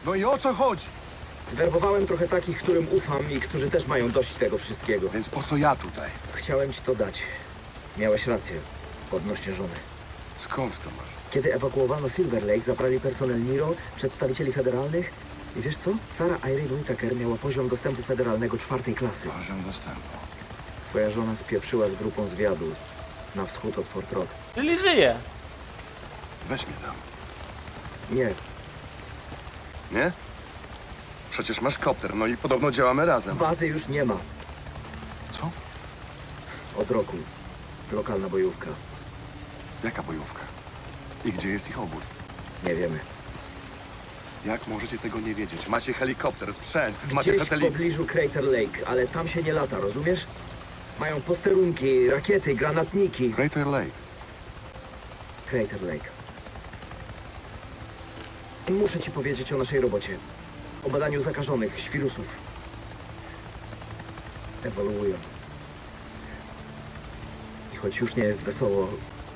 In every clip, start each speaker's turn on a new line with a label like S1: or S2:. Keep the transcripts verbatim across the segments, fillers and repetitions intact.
S1: No i o co chodzi?
S2: Zwerbowałem trochę takich, którym ufam i którzy też mają dość tego wszystkiego.
S1: Więc po co ja tutaj?
S2: Chciałem ci to dać. Miałeś rację. Odnośnie żony.
S1: Skąd to masz?
S2: Kiedy ewakuowano Silver Lake, zabrali personel Niro, przedstawicieli federalnych i wiesz co? Sarah Irene Whittaker miała poziom dostępu federalnego czwartej klasy.
S1: Poziom dostępu.
S2: Twoja żona spieprzyła z grupą zwiadu na wschód od Fort Rock.
S3: Czyli żyje.
S1: Weź mnie tam.
S2: Nie,
S1: Nie? Przecież masz kopter, no i podobno działamy razem.
S2: bazy już nie ma.
S1: Co?
S2: Od roku. Lokalna bojówka.
S1: Jaka bojówka? I gdzie jest ich obóz?
S2: Nie wiemy.
S1: Jak możecie tego nie wiedzieć? Macie helikopter, sprzęt, macie
S2: Gdzieś w
S1: satelit.
S2: pobliżu Crater Lake, ale tam się nie lata, rozumiesz? Mają posterunki, rakiety, granatniki.
S1: Crater Lake.
S2: Crater Lake. Muszę ci powiedzieć o naszej robocie. O badaniu zakażonych, świrusów. Ewoluują. I choć już nie jest wesoło,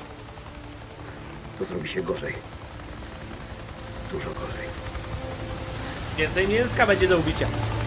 S2: to zrobi się gorzej. Dużo gorzej.
S3: Więcej mięska będzie do ubicia.